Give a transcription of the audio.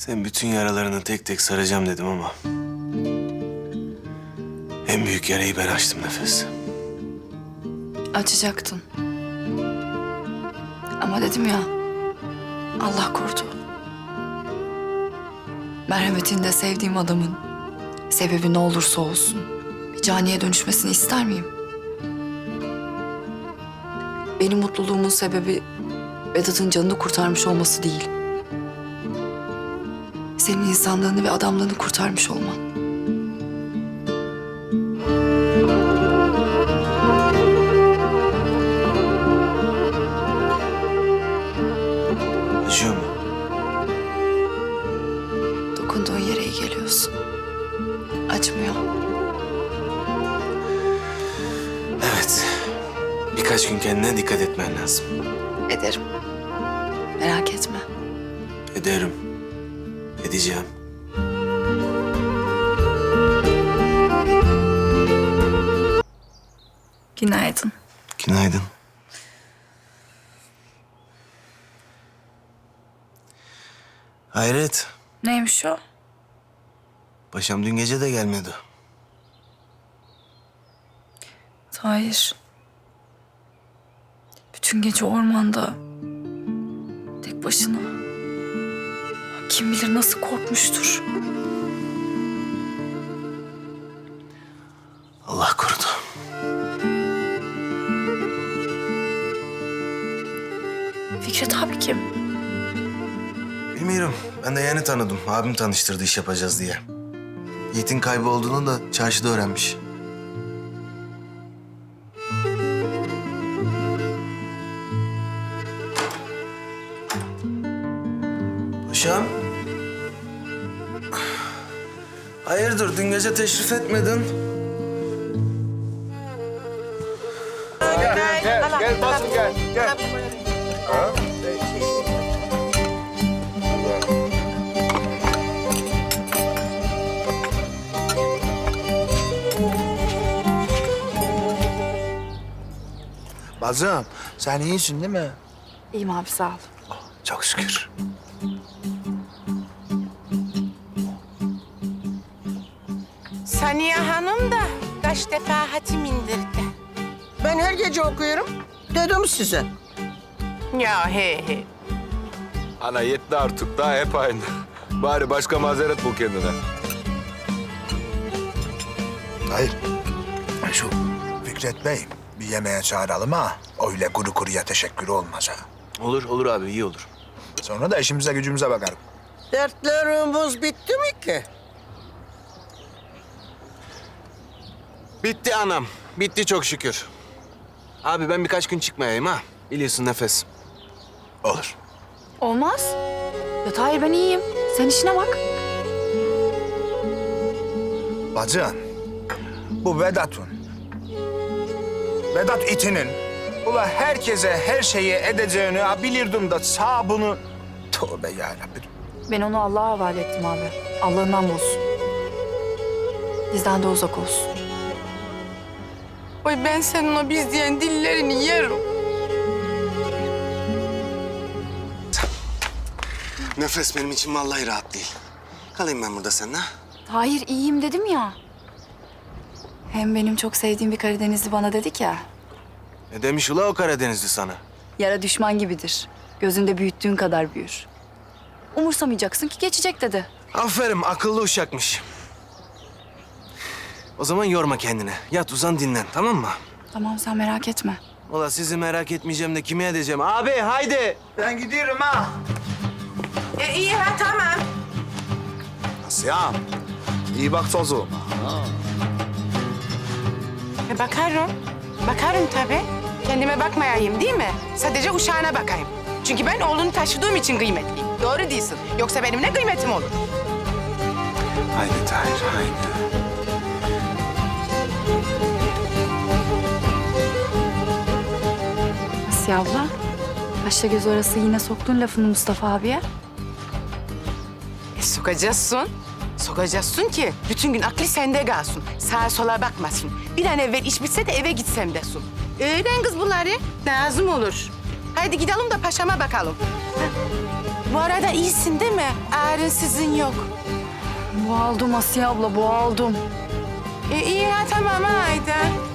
Sen bütün yaralarını tek tek saracağım dedim ama... en büyük yarayı ben açtım Nefes. Açacaktın. Ama dedim ya, Allah korudu. Merhametinde sevdiğim adamın sebebi ne olursa olsun bir caniye dönüşmesini ister miyim? Benim mutluluğumun sebebi Vedat'ın canını kurtarmış olması değil. Senin insanlığını ve adamlığını kurtarmış olman. Acıyor mu? Dokunduğun yere iyi geliyorsun. Acımıyor. Evet. Birkaç gün kendine dikkat etmen lazım. Ederim. Merak etme. Ederim. Edeceğim. Günaydın. Günaydın. Hayret. Neymiş o? Paşam dün gece de gelmedi. Tahir. Bütün gece ormanda. Tek başına. Kim bilir nasıl korkmuştur. Allah korudu. Fikret abi kim? Bilmiyorum. Ben de yeni tanıdım. Abim tanıştırdı iş yapacağız diye. Yiğit'in kaybolduğunu da çarşıda öğrenmiş. Paşam. Hayırdır, dün gece teşrif etmedin? Gel basın gel. Bazım, sen iyisin değil mi? İyiyim abi sağ ol. Çok şükür. Saniye Hanım da kaç defa hatim indirdi. Ben her gece okuyorum. Dedim size. Ya he. Ana yetti artık daha hep aynı. Bari başka mazeret bul kendine. Hayır. Şu Fikret Bey bir yemeğe çağıralım ha. Öyle kuru kuruya teşekkür olmaz ha. Olur abi, iyi olur. Sonra da işimize gücümüze bakarım. Dertlerimiz bitti mi ki? Bitti anam. Bitti çok şükür. Abi ben birkaç gün çıkmayayım ha. Biliyorsun Nefes. Olur. Olmaz. Ya Tahir ben iyiyim. Sen işine bak. Bacım, bu Vedat'ın, Vedat itinin, ula herkese her şeyi edeceğini ha bilirdim da sağ bunu... Tövbe yarabbim. Ben onu Allah'a havale ettim abi. Allah'ından bulsun. Bizden de uzak olsun. Oy ben senin o biz diyen dillerini yerim. Nefes benim için vallahi rahat değil. Kalayım ben burada seninle. Tahir iyiyim dedim ya. Hem benim çok sevdiğim bir Karadenizli bana dedik ya. Ne demiş ula o Karadenizli sana? Yara düşman gibidir. Gözünde büyüttüğün kadar büyür. Umursamayacaksın ki geçecek dedi. Aferin, akıllı uşakmış. O zaman yorma kendini. Yat uzan dinlen, tamam mı? Tamam sen merak etme. Ula sizi merak etmeyeceğim de kime edeceğim? Abi haydi. Ben gidiyorum ha. İyi ha tamam. Asya'm, iyi bak çocuğum. Bakarım. Bakarım tabii. Kendime bakmayayım değil mi? Sadece uşağına bakayım. Çünkü ben oğlunu taşıdığım için kıymetliyim. Doğru değilsin. Yoksa benim ne kıymetim olur? Haydi Tahir, haydi. Asiye abla. Kaşla göz arası yine soktun lafını Mustafa abiye. Sokacaksın. Sokacaksın ki bütün gün aklı sende kalsın. Sağa sola bakmasın. Bir an evvel iş bitse de eve gitsem desin. Öğren kız bunları. Lazım olur. Haydi gidelim de paşama bakalım. Heh. Bu arada iyisin değil mi? Ağrın sizin yok. Boğaldım Asiye abla, boğaldım. İyi ha tamam haydi.